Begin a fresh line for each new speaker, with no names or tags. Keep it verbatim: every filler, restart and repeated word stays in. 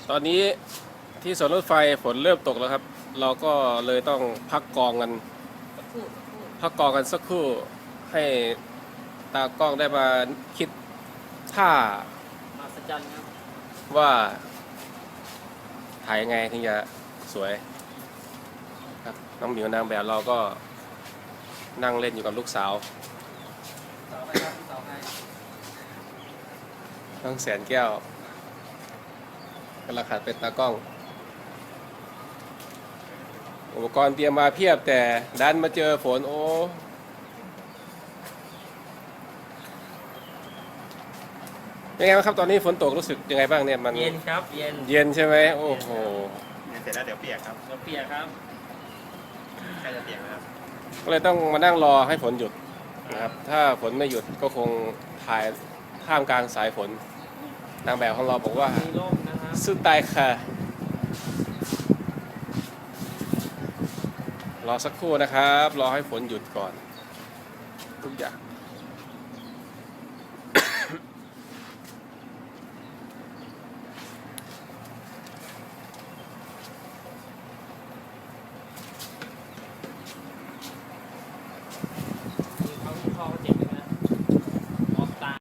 ตอนนี้ที่สวนรถไฟฝนเริ่มตกแล้วครับ เราก็เลยต้องพักกองกัน
สักครู่สักครู่
พักกองกันสักครู่ให้ตากล้องได้มาคิดท่า
มาสัจจันครับ
ว่าถ่ายยังไงถึงจะสวยครับน้องหมิวนางแบบเราก็นั่งเล่นอยู่กับลูกสาว
เสาไปครับเสาให้
น้องแสนแก้วกำลังขัดเป็นตากล้อง อุปกรณ์เตรียมมาเพียบแต่ดันมาเจอฝนโอ้ยังไงบ้างครับตอนนี้ฝนตกรู้สึกยังไงบ้างเนี่ยมัน
เย็นครับเย็น
เย็นใช่ไหมโอ้โห
เดี๋ยวเสร็จแล้วเดี๋ยวเปียกครับ
เดี๋ยวเปียกครับ
ใกล้จะเปียกแล้วครับ
ก็เลยต้องมานั่งรอให้ฝนหยุดนะครับถ้าฝนไม่หยุดก็คงถ่ายท่ามกลางสายฝนนางแบบของเราบอกว่า
มีร่มนะครับ
สู้ตายค่ะรอสักครู่นะครับ รอให้ฝนหยุดก่อนทุกอย่าง